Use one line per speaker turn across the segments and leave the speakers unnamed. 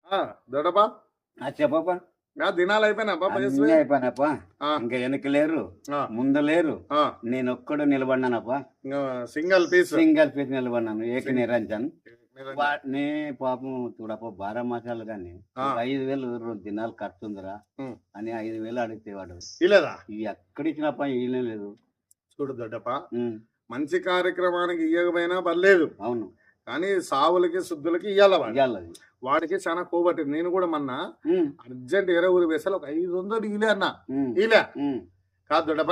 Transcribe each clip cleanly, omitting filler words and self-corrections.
దొడపా
చెప్పప్ప.
దినాలు అయిపోయినాపా
అన్నీ అయిపోయినప్ప. ఇంకా వెనక లేరు, ముందు లేరు, నేను ఒక్కడు నిలబడినానప్ప.
సింగల్ పీస్
నిలబడినాను, ఏక నిరంజన్. వాటిని పాపం చూడప్ప, 12 మాసాలు గాని 5,000 2 దినాలు ఖర్చుందిరా అని 5,000 అడిగితే వాడు
ఇలేదా
ఎక్కడిచ్చినప్ప ఇయ్యనే లేదు.
చూడు దొడ్డపా, మంచి కార్యక్రమానికి ఇయ్యకపోయినా పర్లేదు,
అవును,
కానీ సావులకి శుద్ధులకి ఇయ్యాల
ఇయ్యాలి.
వాడికి చాలా కోబట్టింది. నేను కూడా మొన్న అర్జెంట్ వేరే ఊరి వేసాలి, ఒక 500 ఇలే అన్నా. ఇలే కాదు దొడ్డపా,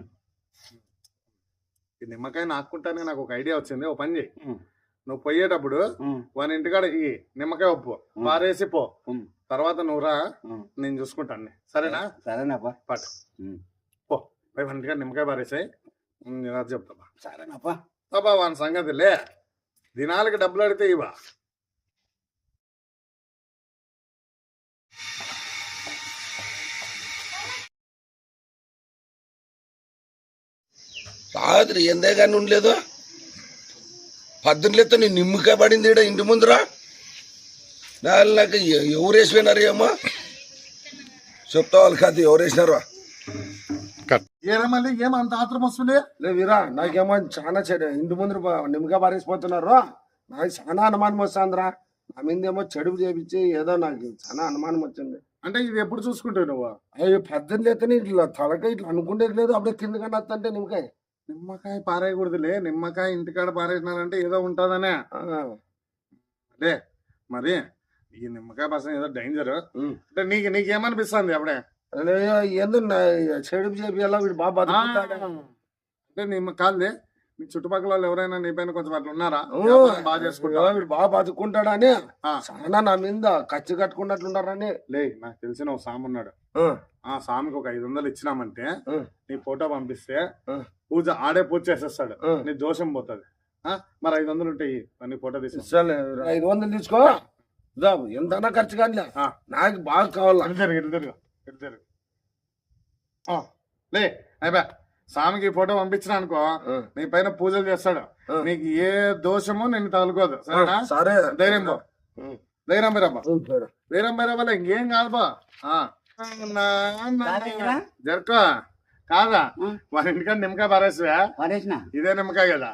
ఈ నిమ్మకాయ నాకుంటానే నాకు ఒక ఐడియా వచ్చింది. ఓ పని చేయి, నువ్వు పోయేటప్పుడు వాని ఇంటికాడ ఈ నిమ్మకాయ ఉప్పు పారేసి పో, తర్వాత నువ్వు రా, నేను చూసుకుంటాను. సరేనా?
సరేనాపా,
పట్టు పో, పోయి వాని ఇంటికాడ నిమ్మకాయ పారేసాయి, నేను అది చెప్తా.
సరేనాపా.
బాబా వాని సంగతి లే, దినాలకి డబ్బులు అడితే ఇవా.
రాత్రి ఎందే కానీ ఉండలేదు, పద్దెనిమిదితో నీ నిమ్మకాయ పడింది ఈడ ఇంటి ముందురా. నాకు ఎవరు వేసిపోయినారు ఏమో చెప్తా వాళ్ళు కాదు, ఎవరు వేసినారు.
ఏరా మళ్ళీ ఏమంత ఆత్రం వస్తుంది?
వీరా, నాకేమో చాలా చెడు ఇంటి ముందు నిమ్మకాయ పారేసిపోతున్నారు. నాకు చాలా అనుమానం వస్తుందిరా. నా మీద ఏమో చెడుపు చేపించి ఏదో నాకు చాలా అనుమానం వచ్చింది.
అంటే ఇది ఎప్పుడు చూసుకుంటావు నువ్వు?
అయ్యో 18 ఇట్లా తలకాయ ఇట్లా అనుకుంటేది లేదు, అప్పుడే కింద కన్నా వస్తుంటే నిమ్మకాయ
పారేయకూడదులే. నిమ్మకాయ ఇంటికాడ పారేసినారంటే ఏదో ఉంటుందనే. అదే మరి ఈ నిమ్మకాయ పసం ఏదో డేంజర్ అంటే నీకేమనిపిస్తుంది అప్పుడే?
ఏందో చెడుపు చేపియాలా, వీడు బాగా బతుకుతాడా
అంటే కాదులే, నీ చుట్టుపక్కల వాళ్ళు ఎవరైనా నీ పైన కొంచెం అట్లా ఉన్నారా? బాగా చేసుకుంటా,
వీడు బాగా బతుకుంటాడా అని చాలా నా మీద ఖర్చు కట్టుకున్నట్లున్నారని.
లే, నాకు తెలిసిన ఒక సాము ఉన్నాడు. ఆ సామికి ఒక 500 ఇచ్చినామంటే నీ ఫోటో పంపిస్తే పూజ ఆడే పూజ చేసేస్తాడు, నీ దోషం పోతుంది. మరి 500 ఉంటాయి, నీ ఫోటో తీసి
500 తీసుకో, ఎంతైనా ఖర్చు కానీ నాకు బాగా కావాలి.
లే అయిపోయా, స్వామికి ఫోటో పంపించిన అనుకో, నీ పైన పూజలు చేస్తాడు, నీకు ఏ దోషము నేను తగులుకోదు. సరేనా?
సరే,
ధైర్యం బో, ధైర్యం బీరబ్బా, ధైర్యం బీరబ్బా, ఇంకేం కాదు బా. జరుకో కాదా, వాళ్ళ ఇంటికాడ నిమ్మకాయ పారేసివా? ఇదే నిమ్మకాయ కదా?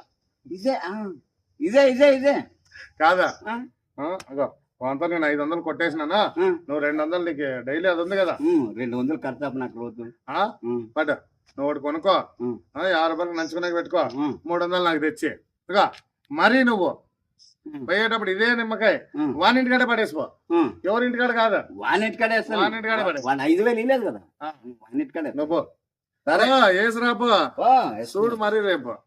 ఇదే
కాదా? అగో అంతా నేను 500 కొట్టేసినానా, నువ్వు 200 నీకు డైలీ అది ఉంది కదా,
200 ఖర్చు నాకు రోజు.
బట్ నువ్వు ఒకటి కొనుక్కో, 50 రూపాయలు నంచుకునే పెట్టుకో, 300 నాకు తెచ్చి ఇక. మరీ నువ్వు పోయేటప్పుడు ఇదే నిమ్మకాయ వానింటికాడ పడేసిపో, ఎవరింటికాడ కాదు,
వానింటికాడ
పడే.
5,000 ఇలేదు కదా, వానింటికాడే
నువ్వు. సరే ఏసు రాపో, చూడు మరి రేపు.